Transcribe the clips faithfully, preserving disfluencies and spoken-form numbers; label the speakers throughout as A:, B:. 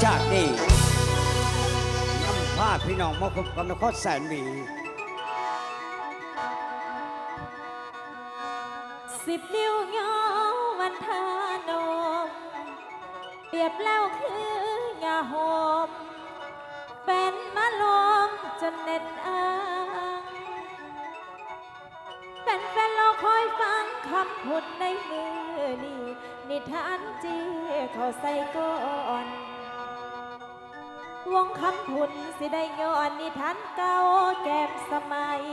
A: จากนี้นำพาพี่น้องมาพบกับนครแสนหวี
B: สิบนิ้วย้อวันทานมเปรียบแล้วคือยาหอมเป็นมาลมจนเน็ดอ้างเป็นแฟนเราคอยฟังคำพูดในมือนี่นิทานจีเขาใส่ก่อนวงคำพูดสิได้ย้อนนิทานเก่าแก้มสมัย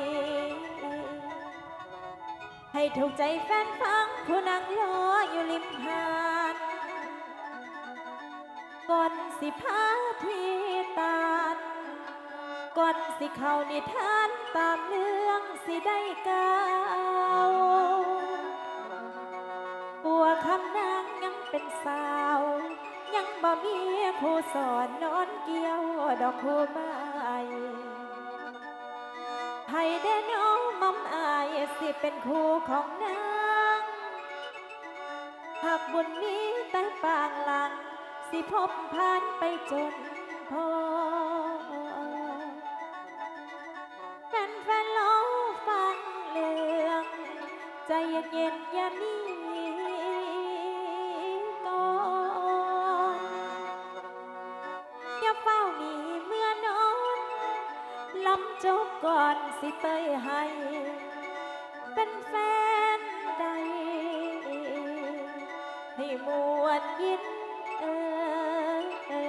B: ให้ถูกใจแฟนฟังผู้นั่งรออยู่ริมหาดก่อนสิพาพี่ตาลก่อนสิเข้านิทานตามเรื่องสิได้กล่าวปัวคำนางยังเป็นสาวยังบ่มีครูสอนนอนเกี่ยวดอกคู่ไม้ให้ได้น้องมอมอายสิเป็นคู่ของนางหากบุญนี้แต่ปางหลังสิพบผ่านไปจนพอแฟนๆรอฟังเรื่องใจเย็นๆอย่านี้ก่อนอย่าเฝ้าหนีเมื่อนอนลำจบก่อนสิเตยให้เป็นแฟนใดให้มวนยินเอ่ย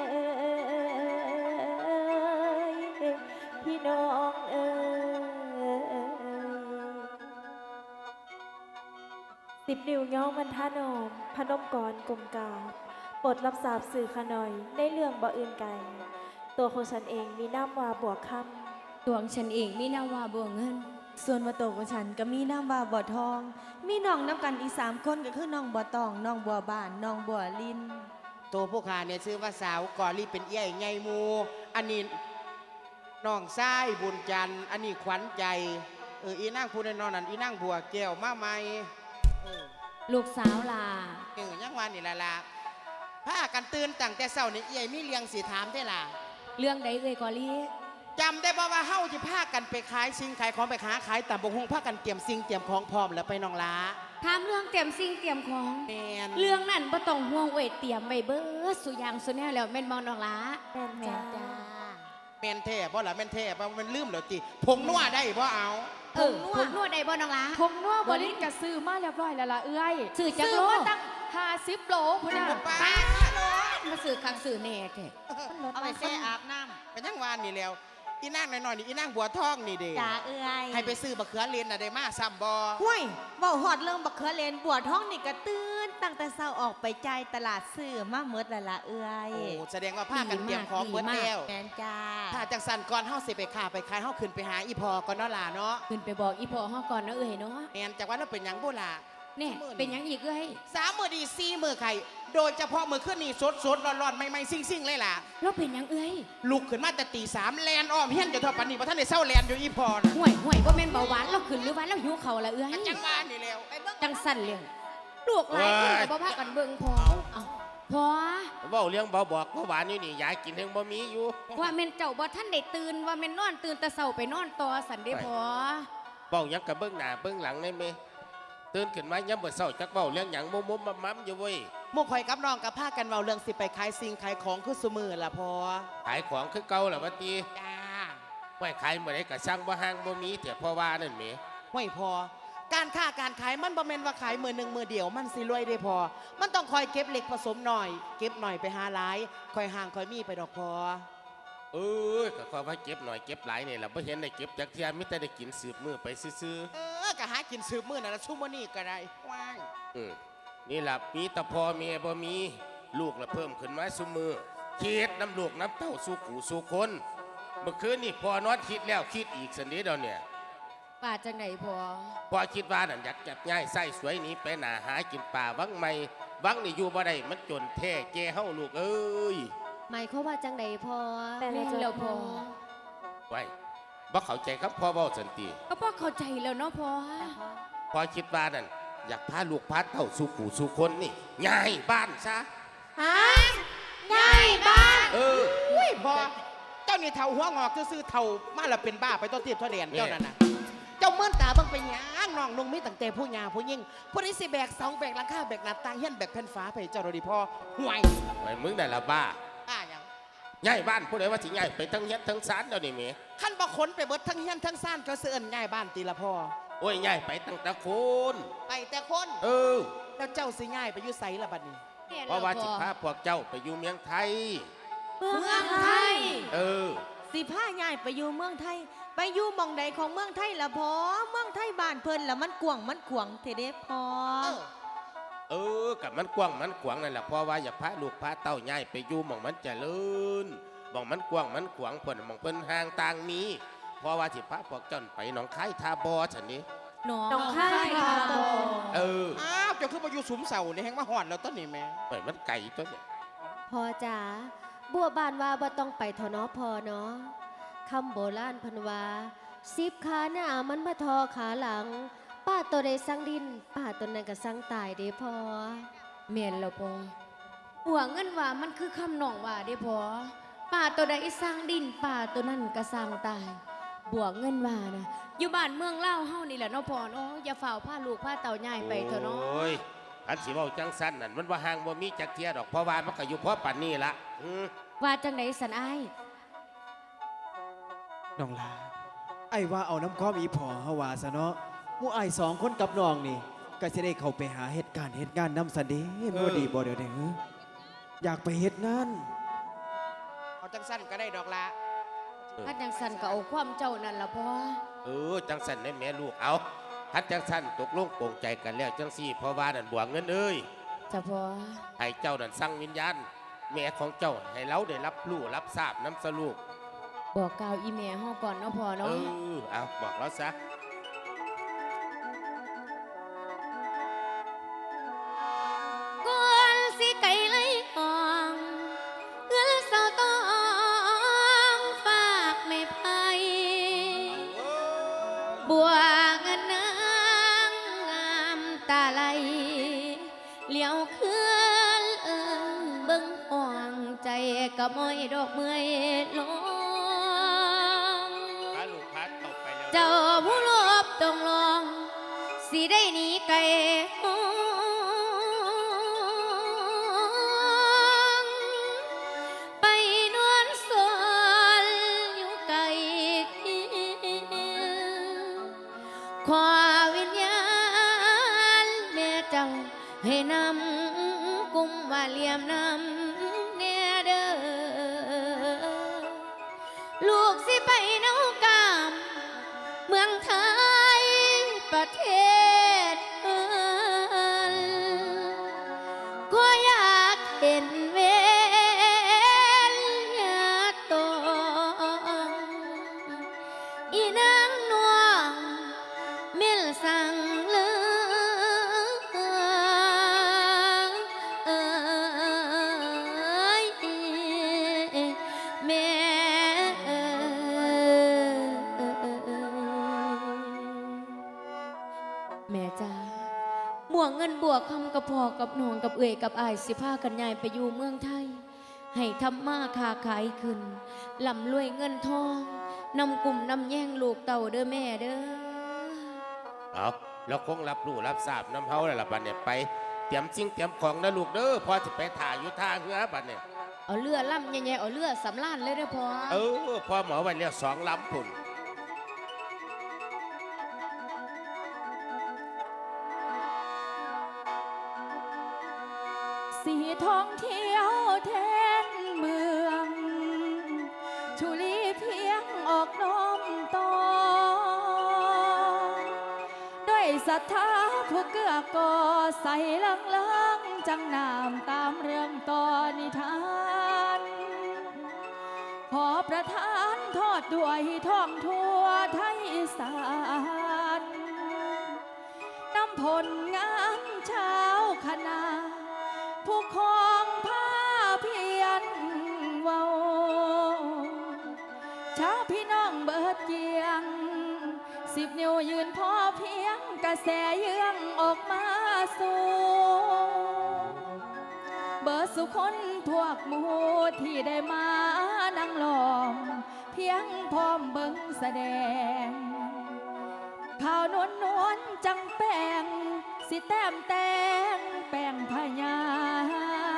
B: พี่น้องเอ่ยสิบนิ้วย้องมันทานอมพนมก่อนกลมกาบปลดรับสาบสื่อขน่อยในเรื่องบ่อื่นไกลตัวของฉันเองมีน้ำวาบวกคำ
C: ตัวของฉันเองมีนามว่าบัวเงิน
D: ส่วนมาโตของฉันก็มีน้ำว่าบ่อทอง มีน้องน้ำกันอีกสามคนก็คือน้องบัวตองน้องบัวบานน้องบัวลิน
E: ตัวพวกข้าเนี่ยซื้อว่าสาวกอรีเป็นเอี้ยไงมูอันนี้น้องทรายบุญจันทร์อันนี้ขวัญใจเอออีนั่งพูดในนอนนั่นอีนั่งบัวแก้วมาใหม่
C: ลูกสาวลา
E: เออยังวันนี่ละละผ้ากันตื่นตั้งแต่เช้านี่เอี้ยมีเลี้ยงสีถามได้ล่ะ
C: เรื่องใดเอ่ยกอลี่
E: จำได้บ่ว่าเฮาจะพากันไปขายสิ่งขายของไปค้าขายตามบงหงพากันเตรียมสิ่งเตรียมของพร้อมแล้วไปน้องล้า
C: ถามเรื่องเตรียมสิ่งเตรียมของ
E: แม่น
C: เรื่องนั้นบ่ต้องห่วงเว้ยเตรียมไว้เบิดสุอย่างสุแนวแล้วแม่นบ่น้องล้า
B: แม่นจ้า
E: แม่นแท้บ่ล่ะแม่นแท้บ่มันลืมแล้วติผงนัวได้บ่เอา
C: เออผงนัวได้บ่น้องล้า
F: ผงนัวบ่ลิ้นก็ซื้อมาเรียบร้อยแล้วล่ะเอื้อย
C: ซื้อจักโล
F: ตั้งห้าสิบโลพุ่นน่ะ
C: ป้ามาซื้อคักซื้อแน่แท้
E: เอาไปแช่อาบน้ำเป็นยังวานนี่แล้วอีนางน้อยๆนี่อีนางบัวทองนี่เด้
B: จ้าเอื้อย
E: ให้ไปซื้อบักเขือเลนน่ะได้มาซ้ำบ่
D: ห้วยเว้าฮอดเรื่องบักเขือเลนบัวทองนี่ก็ตื่นตั้งแต่เช้าออกไปจ่ายตลาดซื้อมาหมดแล้วล่ะเอื้อย
E: โอ้แสดงว่าพากันเตรียมของเบิดแล้ว
D: แม่นจ้า
E: ถ้าจังสั่นก่อนเฮาสิไปค้าไปขายเฮาขึ้นไปหาอีพอก่อนเนาะล่ะเนาะ
C: ขึ้นไปบอกอีพ่อเฮาก่อนนะเอ้ยเนาะ
E: แม่นจักว่าเราเป็นหยังบ่ล่ะ
C: เนี่ยเป็นหยังอีกเอ้ย
E: สามมื้อดีสี่มื้อไข่โดยเฉพาะมื้อคืนนี้สดๆร้อนๆใหม่ๆซิ่งๆเลยล่ะ
C: แล้วเป็นหยังเอ้ย
E: ลุกขึ้นมาแต่ตีสามแลนอ้อมเฮียนอยู่เท่าปานนี้บ่ทันได้เซาแลนอยู่อีพอน่ะ
C: ห่วยห่วยบ่แม่นเบาหวานเราขึ้นหรือว่าเราหิวข้าวละเอ้ย
E: จังว่านี่แล้ว
C: จังสั่นเลยลูกหลายคนก็บ่พากันเบิ่งพอเอ้าพอ
G: เว้าเลี้ยงเบาบอกเบาหวานอยู่นี่ยายกินเองบ่มีอยู่
C: ว่าแม่นเจ้าบ่ทันได้ตื่นว่าแม่นนอนตื่นแต่เช้าไปนอนต่อสั่นเด้พอ
G: เว้าหยังก็เบิ่งหน้าเบิ่งหลังได้แม่ตื่นขึ้นมายามมื้อเช้าจักเว้าเรื่องหยังมุมๆมัมๆอยู่เว้ย
E: หมู่ข่อยกับน้องก็พากันเว้าเรื่องสิไปขายสิ่งขายของคือซุมื้อล่ะพอ
G: ขายของคือเก่าล่ะว่าติ
E: จ้า
G: ไว้ขายมื้อใดก็สั่งบ่ห่างบ่มีแต่เพราะว่านั่นแหม
E: ห้วยพอการค้าการขายมันบ่แม่นว่าขายมื้อนึงมื้อเดียวมันสิรวยได้พอมันต้องคอยเก็บเล็กผสมหน่อยเก็บหน่อยไปหาหลายคอยห่างคอยมีไปดอกพอ
G: เอ้ยก็ขอว่าเก็บหน่อยเก็บหลายนี่ล่ะบ่เห็นได้เก็บจักเที่ยมีแต่ได้กินสืบมื้อไปซื่อ
E: ๆเออก็หากินสืบมื้อนั่นล่ะซุมื้อนี้ก็ได้ว้าย
G: อือนี่ล่ะมีแต่พ่อแม่บ่มีลูกละเพิ่มขึ้นมาซุมื้อคิดน้ำลูกน้ำเต้าสู่กูสู่คนเมื่อคืนนี่พ่อนอนคิดแล้วคิดอีกสันนี้เดี๋ยวเนี่ย
C: ป่าจังไหนพ่อ
G: พ่อคิดว่านั่นอยากจับง่ายไส้สวยนี้ไปหนาหากินป่าวังใหม่วังนี่อยู่บ่ได้มันจนแท้แก่เฮาลูกเอ้ย
C: หมายเขาว่าจังไหนพ่อ
B: แม่แล้วพ่อ
G: ไว้บ่เข้าใจครับพ่อเว้าสันติ
C: ก็พ่อเข้าใจแล้วเนาะพ่อ
G: พ่อคิดว่านั่นอยากพาลูกพาเต้าสู่กูสู่คนนี่ง่ายบ้านซะ
C: ฮะง่ายบ้าน
G: เอ
E: นี่เท่าหัวงอกซื่อๆเท่ามาแล้วเป็นบ้าไปต้นทิพย์ทอดแดนเจ้านั่นน่ะเจ้าเมื่อนตาเบิ่งไปหยังน้องนุ่งมีตั้งแต่ผู้หญิงผู้ยิ่งผู้นี้สิแบกเสาแบกหลังคาแบกหน้าต่างเฮียนแบกแผ่นฟ้าไปเจ้าเราดีพ่อห่วย
G: ไอ้มึงได้ละบ้า
E: อ่าหยัง
G: ย้ายบ้านผู้ใดว่าสิย้ายไปทั้งเฮ็ดทั้งศาลเดี๋ยวนี้แหม
E: ขั้นบ่ขนไปเบิดทั้งเฮียนทั้งซ่านเขาเสื่อนง่ายบ้านตีละพ่อ
G: โอ้ยย้ายไปตั้งแต่โคน
E: ไปแต่คน
G: เออ
E: แล้วเจ้าสิง่ายไปอยู่ไสละบัดนี้
G: เพราะว่าสิพาพวกเจ้าไปอยู่เมืองไทย
D: เมืองไทย
G: เออ
D: สิผ้าใหญ่ไปอยู่เมืองไทย ไปอยู่หมองใดของเมืองไทยละพอเมืองไทยบ้านเพิ่นละมันกวางมันขวางเทเดพอ
E: เออ
G: เออกับมันกว้างมันขวางนั่นแหละเพราะว่าอย่าพาลูกพาเต้าย้ายไปอยู่หม่องมันเจริญหม่องมันกว้างมันขวางเพิ่นหม่องเพิ่นห่างต่างมีเพราะว่าสิพาพวกเจ้าไปหนองคายทาบอฉันนี้
D: หนอง
B: น้องค่ายค่ะ
G: เออ
E: อ้าวเจ้าคือมาอยู่สุมเสานี่แฮงมาหอดแล้วต้นนี่แม่
G: ไปมันไก่ตัวเนี่ย
C: พ่อจ๋าบัวบานว่าบ่ต้องไปเถอะเนาะพ่อเนาะคำโบราณเพันว่าสิบขาหน้ามันมาทอขาหลัง ป้าตัวใดสั่งดิน ป้าตัวนั้นก็สั่งตายเด้พ่อเมียนแล้วพ่อหัวเงินว่ามันคือคำหนองว่าเด้พ่อป้าตัวใดสร้างดินป้าตัวนั้นก็สร้างตายบวกเงินว่านะอยู่บ้านเมืองเล่าวเฮานี่แหละเนาะพ่อเนาะอย่าฝ่าผ้าลูกผ้าเต่าใหญ่ไปเถอะเนาะ
G: โอ้ยอันสิเว้าจังสั้นนั่นมันว่าห่างบ่มีจักเทียดอกเพราะว่ามันก็อยู่เพราะปันนี่ละอืม
C: ว่าจังไดสันอ้าย
H: น้องลาไอ้ว่าเอาน้ำข้อมอีพอเฮาว่าซะเนาะหมู่ไอ้ายสองคนกับน้องนี่ก็สิได้เข้าไปหาเหตุการณ์เหตุงานนำสันเดบ่ดีบ่เดี๋ยวนี้ฮะอยากไปเฮ็ดงาน
E: เอาจังสั้นก็ได้ดอกละ
C: ถ้าจังสันก็เอาความเจ้านั่นละพ่อ
G: เออจังสั้นได้แม่ลูกเอาทัดจังสั้นตกลงโปร่งใจกันแล้วจังสี่เพราะว่านั่นบวกเงินเอ้ย
C: จ้ะพ่อ
G: ให้เจ้านั่นสั่งวิญญาณแม่ของเจ้าให้เราได้รับรู้รับทราบน้ำสลูก
C: บอกกล่าวอีเมียห้องก่อนเนาะพ่อ
G: เอ
C: เนาะ
G: อเอาบอกเราซะ
C: ก่อนสิไก่ไหลอ่องเงินเสาต้องฝากไม่ไพ่บัวเงินนางงามตาไหลเหลียวคืนเอิ้นเบิ่งห่วงใจก็ม้อยดอกเมื่อยลง
G: พาลูกพาเต่าไปแล้ว
C: เจ้าผู้ลบต้องลองสิได้หนีไกลห้องไปนวลสวนอยู่ไกลขอวิญญาณแม่เจ้าให้นำกุมว่าเหลี่ยมนำเนเด้อลูกสิไปเนากามเมืองไทยประเทศเอิ้นก็อยากเห็นเวนยาตองอีนางนวงมิลสังเลือยแม่แม่จ้าหมวงเงินบวกคำกับพ่อกับน้องกับเอ่ยกับอายสิพากันยายไปอยู่เมืองไทย ให้ทำมาค้าขายขึ้นลำรวยเงินทองนำกลุ่มนำแย่งลูกเต่าเด้อแม่เด้อ
G: เอาเราคงรับรู้รับทราบน้ำเฮาแล้วล่ะบัดเนี่ยไปเตรียมสิ่งเตรียมของนะลูกเด้อพอจะไปถ่ายอยู่ท่าเรือบัดเนี่ย
C: เอาเรือล่ำใหญ่ๆเอาเรือสำล้านเลยเด้อพ่อ
G: เออพอหมอไว้แล้วสองลำพุ่น
B: สีท่องเที่ยวแทนเมือง ชุลีเพียงออกน้อมต่อด้วยศรัทธาผู้เกื้อก่อใส่เลิงเลิงจังนามตามเรื่องต่อนิทาน ขอประทานทอดด้วยท่องทั่วไทยอีสานนำผลงานชาวคณะผู้ครองผ้าเพียนเว้าชาวพี่น้องเบิดเกียงสิบนิ้วยืนพอเพียงกระแสเยื่องออกมาสู่เบิดสุคนพวกหมู่ที่ได้มานั่งล้อม
F: พียงพร้อมเบิ่งแสดงข่าวนวลนวลจังแป้งสิแต้มแตงแป้งพญา